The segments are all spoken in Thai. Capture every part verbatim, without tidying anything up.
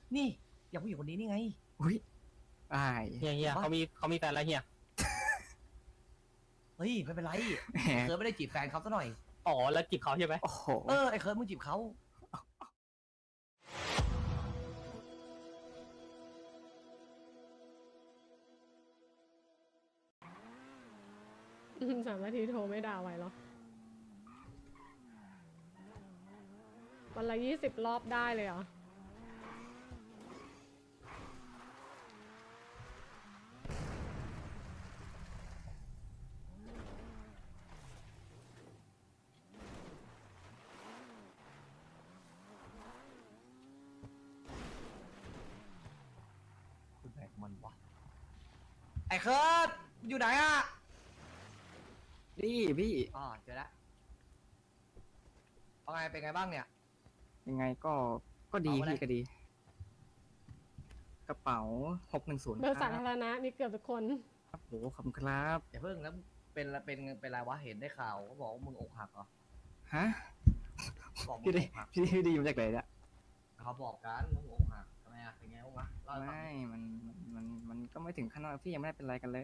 นี่อย่างผู้หญิงคนนี้นี่ไงอุ้ยอายเฮียเฮียเขามีเขามีแฟนแล้วเฮียเฮ้ยไม่เป็นไรแหมเคิร์ดไม่ได้จีบแฟนเขาซะหน่อยอ๋อแล้วจีบเขาใช่ไหมโอ้โหเออไอ้เคิร์ดมึงจีบเขาอืมสามนาทีโทรไม่ด่าไหวหรอ วันละยี่สิบรอบได้เลยเหรอคุณไหนของมันวะไอ้เคิร์ดอยู่ไหนอ่ะนี่พี่อ๋อเจอแล้วเอาไงเป็นไงบ้างเนี่ยยังไงก็ก็ดีเอาอะไรพี่ก็ดี กระเป๋าหกหนึ่งศูนย์เบอร์คสารับธารณะมีเกือบทุกคนครับโหขอบคุณครับอย่าเพิ่งแล้วเป็นเป็นเป็นไรวะเห็นได้ข่าวเขาบอกว่ามึงอกหักเหรอฮะบอกมึพี่งได้อกหักพี่ได้พี่ได้ยินมาจากไหนเนี่ยเขาบอกกันมึงอกหักทำไมอ่ะเป็นไงบ้างวะเล่าให้ฟังไม่ดิมันมันมันก็ไม่ถึงขั้นว่าพี่ยังไม่ได้เป็นไรกันเลย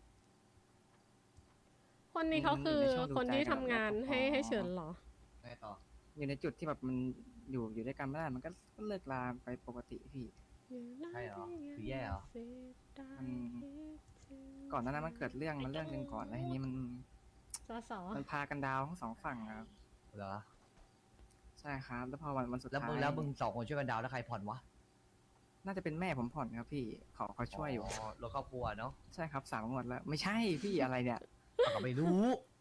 คนนี้เขาคือในช่วงดูคนที่ใจกันทำงานแล้วก็ให้ให้เฉินเหรอไงต่ออยู่ในจุดที่แบบมันอยู่อยู่ด้วยกันไม่ได้มันก็ก็เลิกลาไปปกติพี่ใช่เหรอคือแย่เหรอมัน ก่อนหน้านั้นมันเกิดเรื่องมันเรื่องหนึ่งก่อนแล้วทีนี้มันสอสอมันพากันดาวทั้งสองฝั่งครับเหรอใช่ครับ แล้วพอวันวันสุดแล้วท้ามึงยแล้วมึงสองคนช่วยกันดาวน์แล้วใครผ่อนวะน่าจะเป็นแม่ผมผ่อนครับพี่เขาเขาช่วยอยู่รถครอบครัวเนาะใช่ครับสามงวดแล้ว ไม่ใช่พี่อะไรเนี่ยเราก็ไม่รู้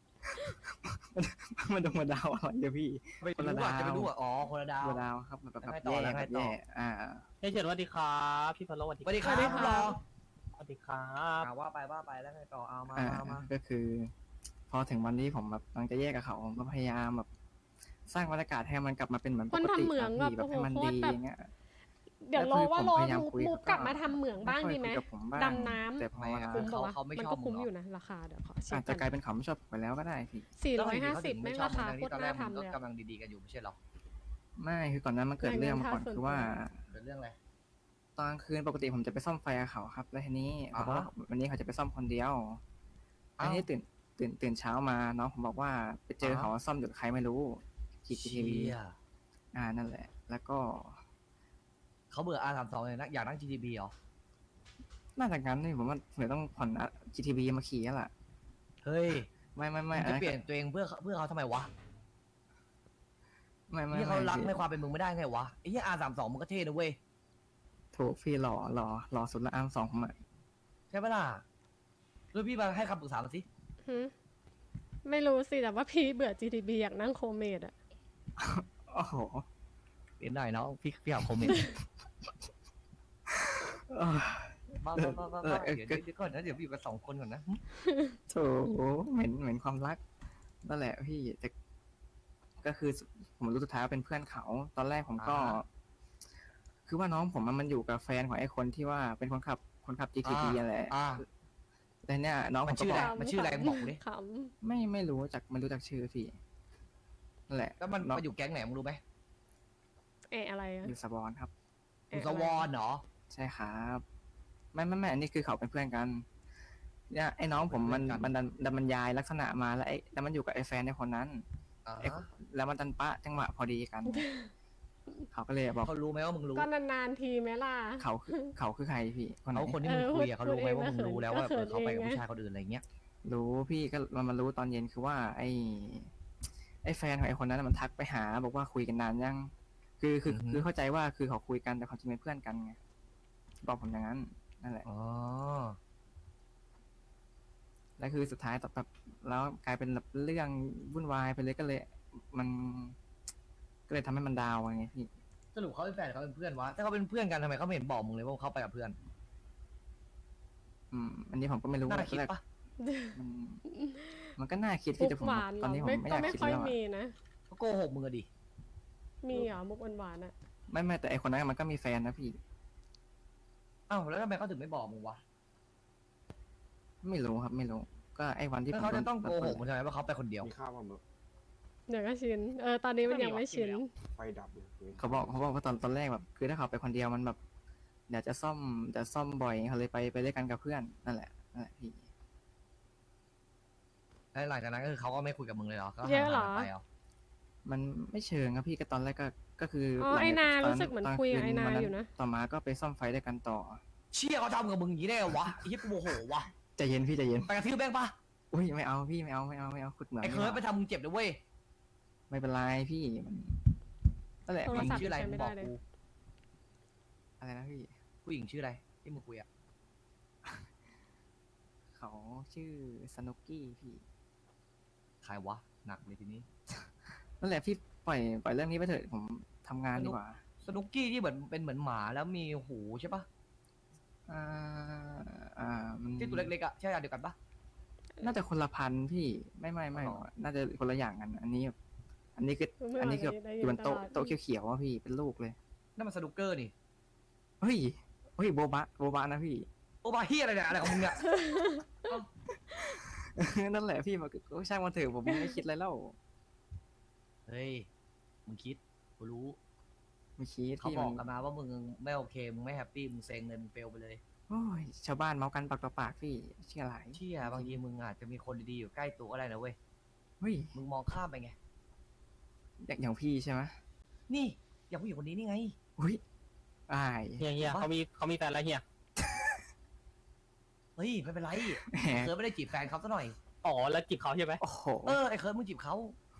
มันต้องมาดาวอะไรเดี๋ยวพี่ไม่คนละรู้อ่ะดาวจะไปรู้อ่ะอ๋อคนละดาวตัวดาวครับแบบแบบแล้วไงแบบต่อแย่แล้วไงแบบต่อแย่อ่าเฮียเฉินสวัสดีครับพี่พะโลสวัสดีสวัสดีครับสวัสดีครับรอสวัสดีครับอ่าว่าไปว่าไปแล้วไงต่อเอามาอ่ามามาก็คือ พอถึงวันนี้ผมแบบกำลังจะแยกกับเขาผมก็พยายามแบบ สร้างบรรยากาศให้มันกลับมาเป็นเหมือนปคนกติทำเหมืองครับแบบพี่แบบให้มันโอ้โหดีโคตรแบบอย่างเงี้ยเดี๋ยวแล้วรอคือว่าผมรอพยายามมูคุยมูกับกลับมาทำเหมืองบ้างไม่ค่อยดีไหมคุยกับผมบ้างดำน้ำแต่พอเวลาคุ้มปะวะเขาไม่มันชอบก็คุ้มมึงเหรออยู่นะราคาเดี๋ยวขอเช็อาคจจะกกัลาน ยเป็นเขาไม่ชอบผมไปแล้วก็ได้พี่สี่แล้วร้อยทำไมห้าเขาสิถึบงแม่ไม่งชอบราคาทั้งโคที่ตตอรนแรน่ากมึงทำก็เลยอะกำลังดีๆกันอยู่ไม่ใช่เหรอไม่คือก่อนหนั้นมันเกิดเรื่องมาก่อนเงินค่าคือว่าส่วนตัวเป็นเรื่องอะไรตอนกลางคืนปกติผมจะไปซ่อมไฟกับเขาครับ แล้วทีนี้อ่าเขาฮะบอกว่าวันนี้เขาจะไปซ่อมคนเดียวอ้าวทีนี้ตื่นตื่นตื่นเช้ามาน้องผมบอกว่าไปเจออ่าฮะเขาซ่อมอยู่กับใครไม่รู้จีทีวีเชี่ยอ่านั่นแหละ แล้วก็เขาเบื่อ อาร์ สามสิบสอง เลยนะอยากนั่ง จี ที บี เหรอน่าจะงั้นนี่ผมว่าเดี๋ยวต้องผ่อนจีทีวีมาขี่แล้วล่ะเฮ้ยไม่ไม่มึไม่งอันจะนั้นเปลี่ยนตัวเองเพื่อเพื่อเขาทำไมวะไม่ไม่นี่เขารักในไม่ความเป็นมึงไม่ได้ไงวะไอ้เหี้ย อาร์ สามสิบสอง มึงก็เท่นะเว้ยถูกพี่หล่อหล่อหล่อสุดละอันสองผมอ่ะใช่ปะล่ะแล้วพี่มาให้คำปรึกษามาสิหึไม่รู้สิแต่ว่าพี่เบื่อ จี ที บี อยากนั่งโคเมดอะโอ้โหเปลี่ยนได้เนาะพี่พี่หาคอมเมนต์เออบ้าบ้าบ้าบ้าเออเออเดี๋ยวเดี๋ยวก่อนนะเดี๋ยวพี่อยู่กันสองคนก่อนนะโถเหม็นเหม็นความรักนั่นแหละพี่แต่ก็คือผมรู้สุดท้ายว่าเป็นเพื่อนเขา ตอนแรกผมก็อ่าคือว่าน้องผมอะมันอยู่กับแฟนของไอ้คนที่ว่าเป็นคนขับคนขับ จี ที พีอ่าอะไรอ่าแต่เนี่ยน้องผมันมชื่ก็อบอกอะไร มันชื่ออะไรบอกกูดิขไม่ไม่รู้จักไม่รู้จักชื่อพี่นั่นแหละแล้วมันน้องมาอยู่แก๊งไหนมึงรู้ไหมำเอะอะไรอะอยู่สบอนครับอยู่สวอนเหรอใช่ครับไม่ไม่ไม่อันนี้คือเขาเป็นเพื่อนกันเนี่ยไอ้น้องผมมันเป็นเพื่อนกันมันดันดันบรรยายลักษณะมาแล้วไอ้แล้วมันอยู่กับไอ้แฟนในคนนั้นอ่าไอ้แล้วมันดันปะจังหวะพอดีกัน เขาก็เลยบอกเขารู้ไหมว่ามึงรู้ก็นานๆทีไหมล่ะเขาคือเขาคือใครพี่คนไหนเขาคนที่มึงเออคุยอะเขารู้ไหมพูดว่ามึงเองรู้แล้วว่าก็เขินเออเขาไปกับเองไงผู้ชายคนอื่นอะไรเงี้ยรู้พี่ก็มันมารู้ตอนเย็นคือว่า ไอ้ไอ้แฟนของไอ้คนนั้นนะมันทักไปหา บอกว่าคุยกันนานยัง คือคืออือฮึคือเข้าใจว่าคือเขาคุยกันแต่ความจริงเป็นเพื่อนกันไงบอกผมอย่างนั้นนั่นแหละอ๋อแล้วคือสุดท้ายต่อแบบแล้วกลายเป็นแบบเรื่องวุ่นวายไปเลยก็เลย มัน ก็เลยทำให้มันดาวน์ไงพี่สรุปเขาเป็นแฟนหรือเขาเป็นเพื่อนวะ ถ้าเขาเป็นเพื่อนกันทำไมเขาไม่เห็นบอกมึงเลยว่าเขาไปกับเพื่อนอืม อันนี้ผมก็ไม่รู้น่าคิดแรกปะมันมันก็น่าคิดมุพี่กแต่ผมหวานเหตรอนอนี้ผมไม่ไม่อก็ยากไม่คิดค่อยแล้วอะมีนะเขาโกหกมึงอะดิมีเหรอมุกหวานๆอะไม่ไม่แต่ไอคนนั้นมันก็มีแฟนนะพี่อ้าวแล้วทำไมเขาถึงไม่บอกมึงวะไม่รู้ครับไม่รู้ ก็ไอวันที่แล้วผมเขาจะโดนต้องโกหกโดมึนงทำไมว่าเขาไปคนเดียวมีข้าวป่ะมึงเดี๋ยวก็ชิน เออ ตอนนี้มันยังไม่ชินไฟดับเลยเว้ยเขาบอกเขาบอกว่าตอนตอนแรกแบบคือถ้าเขาไปคนเดียวมันแบบเดี๋ยวจะซ่อมจะซ่อมบ่อยเขาเลยไปไปเล่นกันกับเพื่อนนั่นแหละนั่นแหละพี่แล้วหลังจากนั้นก็คือเขาก็ไม่คุยกับมึงเลยเหรอก็เยอะเหรอห่างๆกันไปเหรอมันไม่เชิงครับพี่ก็ตอนแรกก็ก็คืออ๋อหลังไอ้นาตรู้สึกเหมือนคุยกับไอ้นาวัอยู่นะต่อมาก็ไปซ่อมไฟด้วยกันต่อเชี่ยเขาทำกับมึงอย่างนี้ได้เหรอวะไอ้เหี้ยกูโมโหวะใจเย็นพี่ใจเย็นไปกระทืบแม่งปะอุ้ยไม่เอาพี่ไม่เอาไม่เอาไม่เอาขุดเหมืองไอ้เคิร์ดไปทำมึงเจ็บเลยเว้ยไม่เป็นไรพี่มันนั่นแหละโทรผู้หญิงศัพท์ชื่ออะไรใช้มึไม่งได้บอกเลยกูอะไรนะพี่ผู้หญิงชื่ออะไรที่มึงคุยอะเขาชื่อสนุกกี้พี่ใครวะหนักเลยทีนี้นั่นแหละพี่ปล่อยปล่อยเรื่องนี้ไปเถอะผมทำงานดีกว่าสนุกกี้ที่เหมือนเป็นเหมือนหมาแล้วมีหูใช่ปะอ่าอ่ามันที่ตัวเล็กๆอะใช่อันเดียวกันปะน่าจะคนละพันธุ์พี่ไม่ไม่ไม่อ๋อน่าจะคนละอย่างกัน อันนี้ อันนี้คือไม่อันนี้คือได้อยินยู่บนโต๊ะตลอดโต๊ะเขียวๆว่าพี่เป็นลูกเลยนั่นมันสนุกเกอร์นี่เฮ้ยเฮ้ยโบบะโบบะนะพี่โอบาเฮียอะไรเนี่ยอะไรของมึงเนี่ยนั่นแหละพี่มันก็ช่างมันเถอะผมไม่คิดอะไรแล้วเฮ้ยมึงคิดกูรู้ไม่คิดเขาพี่บมัอกนกันมาว่ามึงไม่โอเคมึงไม่แฮปปี้มึงเซ็งเลยมึงเฟลไปเลยโอ้ยชาวบ้านเมากันปากต่อปากพี่เชื่ออะไรเชี่ยบางทีมึงอาจจะมีคนดีๆอยู่ใกล้ตัวก็ได้นะเว้ยเฮ้ยมึงมองข้ามไปไงอย่างอย่างพี่ใช่ไหมนี่อย่างผู้หญิงคนนี้นี่ไงอุ้ยอายเฮียเฮียเขามีเขามีแฟนแล้วเฮียเฮ้ยไม่เป็นไรแหมเคิร์ดไม่ได้จีบแฟนเขาซะหน่อยอ๋อ แล้วจีบเขาใช่ไหมโอ้โหเออไอ้เคิร์ดมึงจีบเขา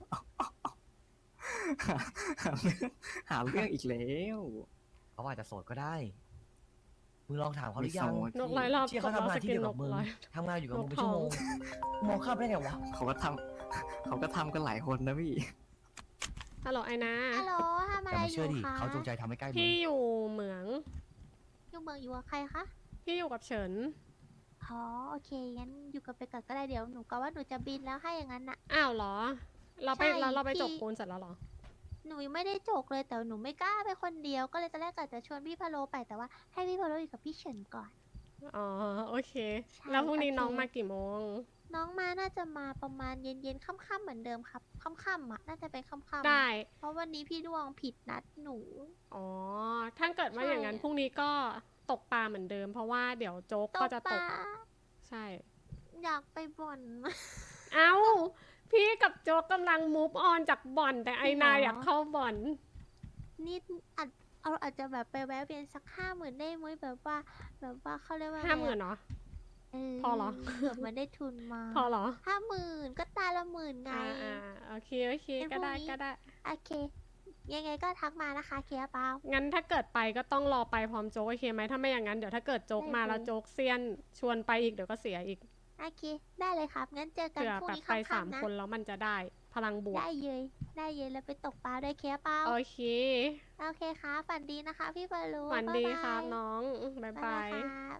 หาเรื่องหาเรื่องอีกแล้วเขาอาจจะโสดก็ได้ มึงลองถามเขาหรือยังไม่โสดนกร้อยรอบเชี่ยเขาทำงานที่เดียวกับมึงนกร้อยทำงานอยู่กับมึงเป็นนกทชั่อวงโมงมึงมองข้ามได้ไงวะเขาก็ทำเขาก็ทำกันหลายคนนะพี่ฮัลโหลไอ้นาฮัลโหลทำอะแต่ไรไม่อเชื่อยู่ ดิคะเขาจงใจทำให้ใกล้มึงพี่อยู่เหมืองอยู่เมืองอยู่กับใครคะพี่อยู่กับเฉินอ๋อโอเคงั้นอยู่กับไปก่อนก็ได้เดี๋ยวหนูก็ว่าหนูจะบินแล้วให้อย่างนั้นน่ะอ้าวเหรอ เราไปใช่เราเราไปพี่จบปูนเสร็จแล้วเหรอหนูยังไม่ได้จกเลยแต่หนูไม่กล้าไปคนเดียวก็เลยตอนแรกกะจะชวนพี่พะโลไปแต่ว่าให้พี่พะโลอยู่กับพี่เฉินก่อนอ๋อ โอเคใช่แล้วพรุ่งนี้โอเคน้องมากี่โมงน้องมาน่าจะมาประมาณเย็นๆค่ำๆเหมือนเดิมครับค่ำๆอ่ะน่าจะเป็นค่ำๆได้เพราะวันนี้พี่ดวงผิดนัดหนูอ๋อ ถ้าเกิดว่าใช่อย่างนั้นพรุ่งนี้ก็ตกปลาเหมือนเดิม เพราะว่าเดี๋ยวโจ๊กก็จะตปกลาใช่อยากไปบ่อนเอ้า พี่กับโจ๊กกำลังมูฟออนจากบ่อน แต่ไอจริงเหรอนาอยากเข้าบ่อนนี่อาจเอาอาจจะแบบไปแวะเวียนสักห้าหมื่นได้ไหมแบบว่า แบบว่าเขาเรียกว่าห้าหมื่นเนาะเออพอเหรอเผื่อมันได้ทุนมาพอเหรอห้าหมื่นก็ตาละหมื่นไงอ่าอ่าโอเค โอเคงั้นก็ได้พรุ่งนี้ก็ได้โอเค ยังไงก็ทักมานะคะเคลียร์เปล่างั้นถ้าเกิดไปก็ต้องรอไปพร้อมโจ๊กโอเคไหมถ้าไม่อย่างนั้นเดี๋ยวถ้าเกิดโจ๊กมาได้เลยแล้วโจ๊กเซียนชวนไปอีกเดี๋ยวก็เสียอีกโอเค ได้เลยครับ งั้นเจอกันเผื่อพรุ่งแบบนี้ไปสามค่ำๆนะคนแล้วมันจะได้พลังบวกได้เยยได้เยยแล้วไปตกปลาด้วยเคลียร์เปล่าโอเคโอเคค่ะฝันดีนะคะ พี่บอลลูหวันดีายายครับน้องบ๊ายบายครับ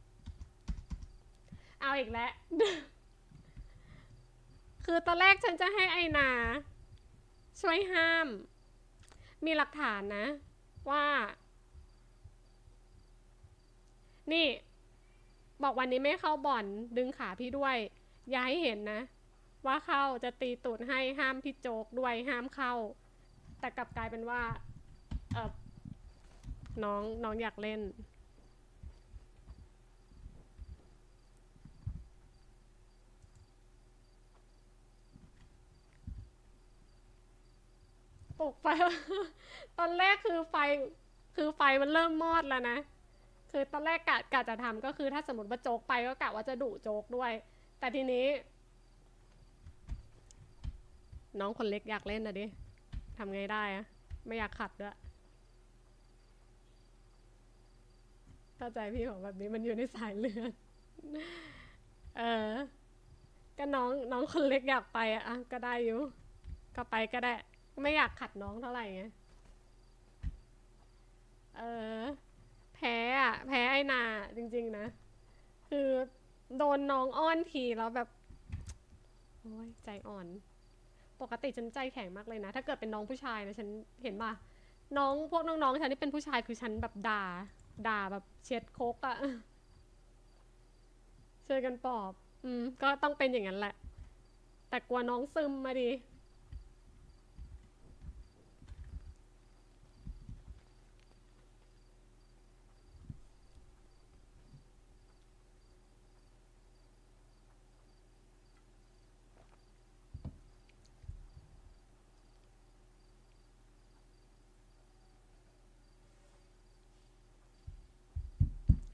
เอาอีกแล้ว คือตอนแรกฉันจะให้ไอนา ช่วยห้าม มีหลักฐานนะ ว่า นี่ บอกวันนี้ไม่เข้าบ่อน ดึงขาพี่ด้วย อย่าให้เห็นนะ ว่าเข้าจะตีตูดให้ห้ามพี่โจ๊กด้วยห้ามเข้า แต่กลับกลายเป็นว่า เออน้องน้องอยากเล่น ปลุกไฟ ตอนแรกคือไฟ คือไฟมันเริ่มมอดแล้วนะ คือตอนแรกกะกะจะทำก็คือถ้าสมมติว่าโจ๊กไปก็กะว่าจะดุโจ๊กด้วย แต่ทีนี้ น้องคนเล็กอยากเล่นนะดิทำไงได้อะไม่อยากขัดด้วยเข้าใจพี่ของแบบนี้มันอยู่ในสายเลือด เออ ก็น้องน้องคนเล็กอยากไปอะอ่ะก็ได้อยู่ ก็ไปก็ได้ ไม่อยากขัดน้องเท่าไหร่ไง เออ แพ้อะแพ้ไอ้นาจริงๆนะ คือโดนน้องอ้อนทีแล้วแบบ โอ้ยใจอ่อน ปกติฉันใจแข็งมากเลยนะ ถ้าเกิดเป็นน้องผู้ชายนะฉันเห็นป่ะ น้องพวกน้องๆฉันที่เป็นผู้ชายคือฉันแบบด่า ด่าแบบเช็ดโคกอะช่วยกันปลอบ อืม ก็ต้องเป็นอย่างนั้นแหละ แต่กลัวน้องซึมมาดิ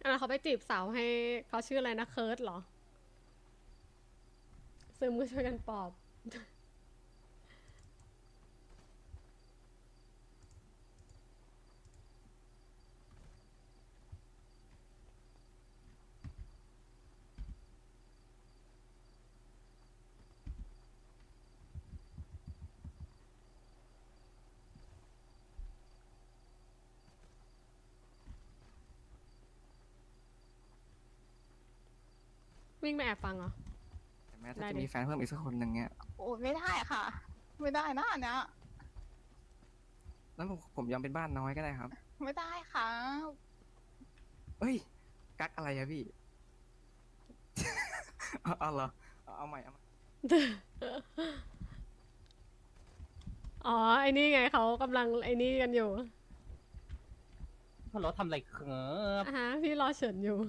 อ่ะเขาไปจีบสาวให้เขาชื่ออะไรนะเคิร์ดเหรอซึมก็ช่วยกันปลอบ วิ่งไปแอบฟังเหรอแต่แม้ได้ถ้าจะดิมีแฟนเพิ่มอีกสักคนหนึ่งเนี่ยโอ้ยไม่ได้ค่ะ ไม่ได้นะอันเนี้ยแล้วผมผมยอมเป็นบ้านน้อยก็ได้ครับไม่ได้ค่ะเอ้ย กักอะไรอะพี่ เอาเอาเหรอเอาเอาใหม่เอาใหม่อ๋อไอ้นี่ไงเขากำลังไอ้นี่กันอยู่พะโล้ทำอะไรครับอ่ะฮะพี่รอเฉินอยู่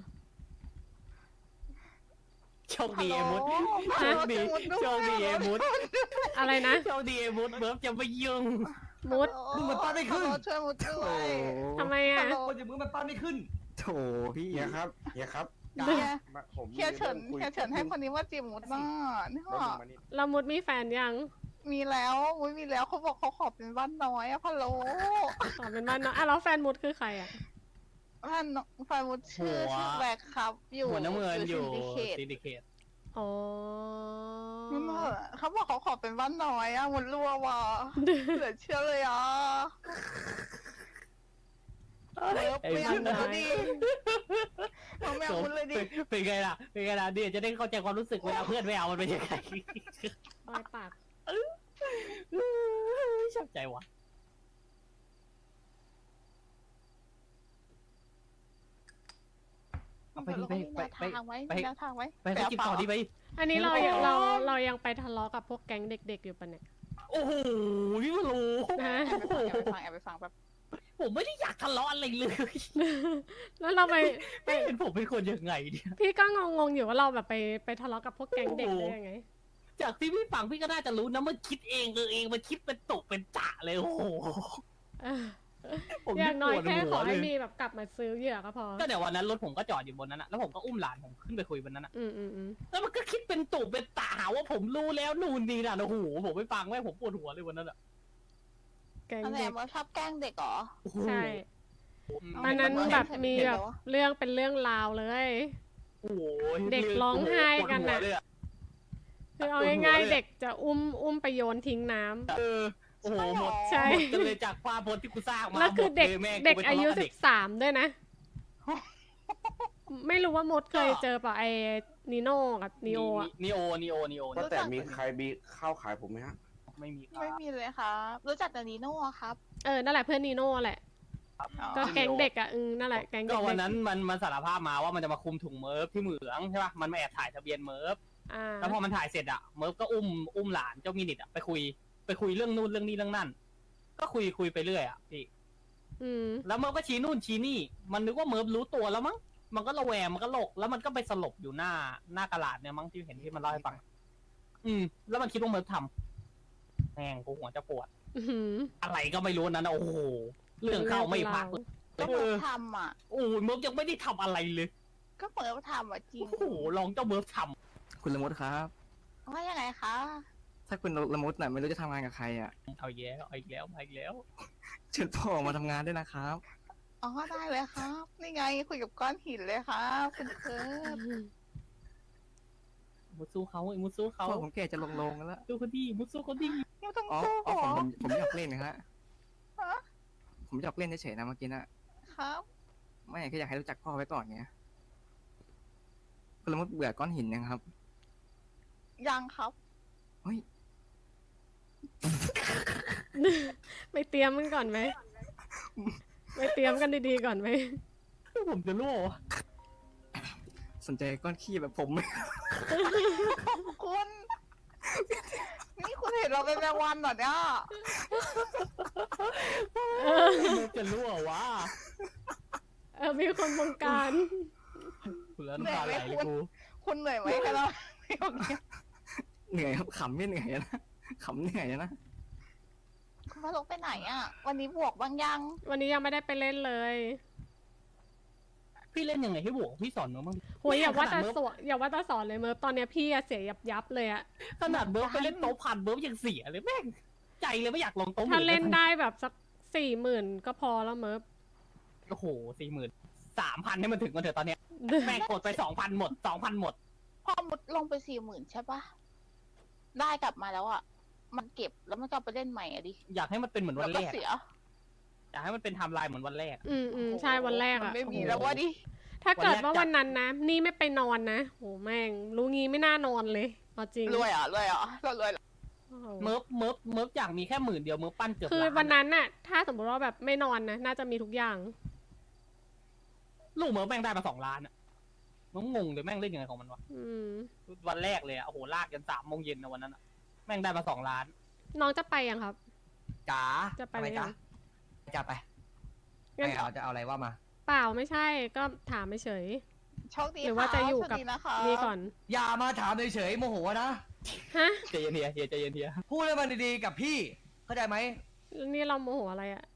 โชคดีเอมุดฮัโชลคโหลดีโชคดีเอมุดอะไรนะโชคดีเอมุดเบิร์ฟจะไม่ยุ่งมุดมึงมันปั้นไม่ขึ้นฮัลโหลช่วยมุดด้โอ้วยทำไมอ่ะฮัลโหลคนอย่างมึงมันปั้นไม่ขึ้นโถพี่เฮียครับเฮียครับเฮียมาผมมีเฮียเฉินรื่องคุเฮียเฉินให้คนนี้ว่าจีบมุดน่ะนี่แล้วค่ะมึงมานี่เรามุดมีแฟนยังมีแล้วมุดมีแล้วเขาบอกเขาขอเป็นบ้านน้อยอะพะโลอ๋อเป็นบ้านเนาะอ่ะแล้วแฟนมุดคือใครอ่ะบ้านน้องแฟนมุดชื่อหัวชื่อแบกครับ อยู่หัวน้ำเงินอยู่ซินดิเคตซินดิเคตอ๋อนั่นน่ะเขาบอกเขาขอเป็นบ้านน้อยอะมุดรัวว่ะเหลือเชื่อเลยอ่ะเลิฟไอ้ไม่เอาบ้านมุดน้อยดิเอาไม่เอามุดเลยดิเป็นไงล่ะ เป็นไงล่ะเดี๋ยวจะได้เข้าใจความรู้สึกเวลาเพื่อนไม่เอามันเป็นยังไงปลายปากชอบใจวะ เอาไปดิไปไปไปทางไว้ไปมีแนวทางไว้ไปไปกินต่อดีไปอันนี้เราไม่เอาเราเรายังไปทะเลาะกับพวกแก๊งเด็ก ๆ อยู่ปะเนี่ยโอ้โหพี่ไม่รู้ฮะแอบไปฟังแอบไปฟังแอบไปฟังแบบผมไม่ได้อยากทะเลาะอะไรเลยแล้วเราไปไปไม่เห็นผมเป็นคนยังไงเนี่ยพี่ก็งงๆอยู่ว่าเราแบบไปไปทะเลาะกับพวกแก๊งเด็กโอ้โหได้ยังไงจากที่พี่ฟังพี่ก็น่าจะรู้นะมันคิดเองเออเองมันคิดเป็นตกเป็นจ่าเลยโอ้โหเออผมอย่างน้อยปวดแค่หัขวอเลให้ยมีแบบกลับมาซื้อเหยื่อก็พอก็เดี๋ยววันนั้นรถผมก็จอดอยู่บนนั้นอะแล้วผมก็อุ้มหลานผมขึ้นไปคุยบนนั้นอะอืมอืมอืมแล้วมันก็คิดเป็นตุเป็นตาหาว่าผมรู้แล้วนู่นนี่น่ะโอ้โหผมไม่ฟังแม่ผมปวดหัวเลยวันนั้นอะแก๊งอันไหนเด็กว่าชอบแกล้งเด็กเหรอโอ้โหใช่อืมตอนนั้นเห็นแบบเห็นมีเห็นแบบแล้ววะเรื่องเป็นเรื่องราวเลยโอ้โหเด็กร้องไห้กันน่ะปวดหัวเลยอคือเอาปวดหัวง่ายเลยๆเด็กจะอุ้มอุ้มไปโยนทิ้งน้ำเออโอ้โหหมดใช่หมดกันเลยจากความพจน์ที่กูสร้างมาแล้วคือหมเด็กลแม่งเด็กไปอายุทะเลาะบสิเด็กบสามด้วยนะ ไม่รู้ว่ามดเคยเจอป่ะไอ้นิโน่กับนิโออะนีโอนีโอนีโอว่าแต่มีใครมีข้าวขายผมไหมฮะไม่มีครับไม่มีเลยครับรู้จักแต่นีโน่ครับเออนั่นแหละเพื่อนนิโน่แหละอ๋อก็แก๊งเด็กอ่ะอืมนั่นแหละแก๊งเด็ก็กวันนั้นมันมันสารภาพมาว่ามันจะมาคุมถุงเมิร์ฟที่เหมืองใช่ป่ะมันมาแอบถ่ายทะเบียนเมิร์ฟอ่าแล้วพอมันถ่ายเสร็จอะเมิร์ฟก็อุ้มอุ้มหลานเจ้ามินิทอะไปคุยไปคุยเรื่องนู่นเรื่องนี้เรื่องนั่นก็คุยคุยไปเรื่อยอะพี่อืมแล้วเมิร์ฟก็ชี้นู่นชี้นี่ มันนึกว่าเมิร์ฟรู้ตัวแล้วมั้งมันก็ระแวงมันก็หลกแล้วมันก็ไปสลบอยู่หน้าหน้ากระดาษเนี่ยมั้งที่เห็นที่มันเล่าให้ฟัง อืม แล้วมันคิดว่าเมิร์ฟทำแม่งกูหัวจะปวดอื้อหืออะไรก็ไม่รู้นั้นนะโอ้โหเรื่องเข้าไม่พักเลยก็เหมือนทำอ่ะโอ้ยเมิร์ฟยังไม่ได้ทำอะไรเลยก็เหมือนทำอ่ะจริงโอ้โหลองเจ้าเมิร์ฟทคุณละมุดครับว่ายังไงคะถ้าคุณละมุดน่ะไม่รู้จะทำงานกับใครอ่ะำเอาอีกแล้วเอาอีกแล้วเอาอีกแล้วเชิญพ่อมาทำงานด้วยนะครับอ๋อได้เลยครับ นี่ไงคุยกับก้อนหินเลยครับคุณเคิร์ดมุดสู้เขาไอ้มุดสู้เขาพ่อผมแก่จะลงลงแล้วสู้เขาดีมุดสู้เขาดียังต้องอ๋อสู้อ๋อเหรผมอผมผมอยากเล่นนะฮะฮะผมอยากเล่นเฉยๆนะเมื่อกี้น่ะครับไม่แค่อยากให้รู้จักพ่อไว้ก่อนไงคุณละมุดเบื่อก้อนหินยังครับยังครับเฮ้ยไปเตรียมกันก่อนไหมไปเตรียมกันดีๆก่อนไหมผมจะรั่ววะสนใจก้อนขี้แบบผมไหมคุณ นี่คุณเห็นเราเป็นแมงวันเหรอเนี่ยเออผมจะรั่ววะเออมีคนบงการคุณแล้วน้ำตาไหลเลยกูคุณเหนื่อยไหมคะเราไม่โอเคเหนื่อยครับขำไม่เหนื่อยนะขำเหนื่อยนะคุณพาลงไปไหนอ่ะ วันนี้บวกบางยังวันนี้ยังไม่ได้ไปเล่นเลยพี่เล่นยังไงให้บวกพี่สอนเมิร์ฟบ้างโหยอย่าว่าขแต่นาดเมิร์ฟสอนอย่าว่าแต่สอนเลยเมิร์ฟตอนเนี้ยพี่อะเสียยับยับๆเลยอะขนาดเมิร์ฟไปเล่นโต๊ะพันเมิร์ฟยังเสียเลยแม่งใจเลยไม่อยากลงโต๊ะหถ้ามื่เล่นได้แบบสักสี่หมื่นก็พอแล้วเมิร์ฟโอ้โหสี่หมื่นสามพันให้มันถึงกันเถอะตอนเนี้ยแม่งกดไปสองพันหมดสองพันหมดพอมุดลงไปสี่หมื่นใช่ปะได้กลับมาแล้วอ่ะ มันเก็บแล้วมันก็เอาไปเล่นใหม่อะดิอยากให้มันเป็นเหมือนแล้วัวน ก็แรกเสียอยากให้มันเป็นไทม์ไลน์เหมือนวันแรกอืมอืมใช่วันแรกมัอะนไม่มีโอ้โหแล้วว่าดิถ้าเกิดวันแรกว่าจัดวันนั้นนะ นี่ไม่ไปนอนนะโหแม่งรู้งี้ไม่น่านอนเลยเอาจริงรวยอ่ะรวยอ่ะเรารวยเหรอโอ้โหเมิร์ฟเมิร์ฟเมิร์ฟอยากมีแค่หมื่นเดียวเมิร์ฟปั้นเกือบคือล้านวันนั้นน่ะ ถ้าสมมติว่าแบบไม่นอนนะน่าจะมีทุกอย่างลูกเมิร์ฟแม่งได้มาสองล้านอะมันงงเลยแม่งเล่นยังไงของมันวะอืมวันแรกเลยอะโอ้โหลากกันสามโมงเย็นนะวันนั้นอะแม่งได้มาสองล้านน้องจะไปยังครับจ๋าจะไปทำไหมมจ๊ะยังจะไปงั้นไม่เอาจะเอาอะไรว่ามาเปล่าไม่ใช่ก็ถามเฉยโชคดีหรือว่าจะอยู่กับโชคดีนะคะนี่ก่อนอย่ามาถามเฉยๆโมโหนะฮะใจเย็นเฮียเฮียใจเย็นเฮียพูดให้มันดีๆกับพี่ เข้าใจไหมแล้วนี่เราโมโหอะไรอะ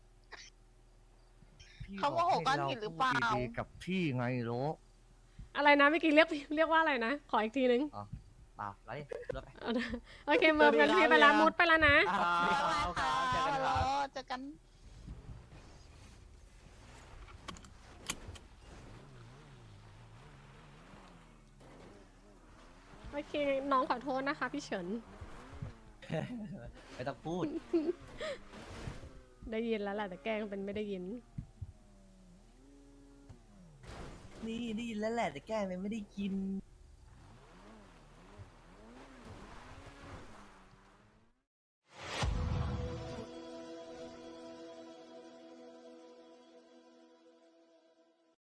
เขาโมโหก้อนหินหรือเปล่าดีๆกับพี่ไงโลอะไรนะเมื่อกี้เรียกเรียกว่าอะไรนะ ขออีกทีนึงเปล่าไรรถไปเอานะโอเคเมิร์ฟกันพี่ไปละมุดไปแล้วนะอ่าครับครับเจอกันครับเจอกันโอเค น้องขอโทษนะคะพี่เฉินไม่ต้องพูดได้ยินแล้วแหละแต่แกล้งเป็นไม่ได้ยินนี่ได้ยินแล้วแหละแต่แก้มันไม่ได้กิน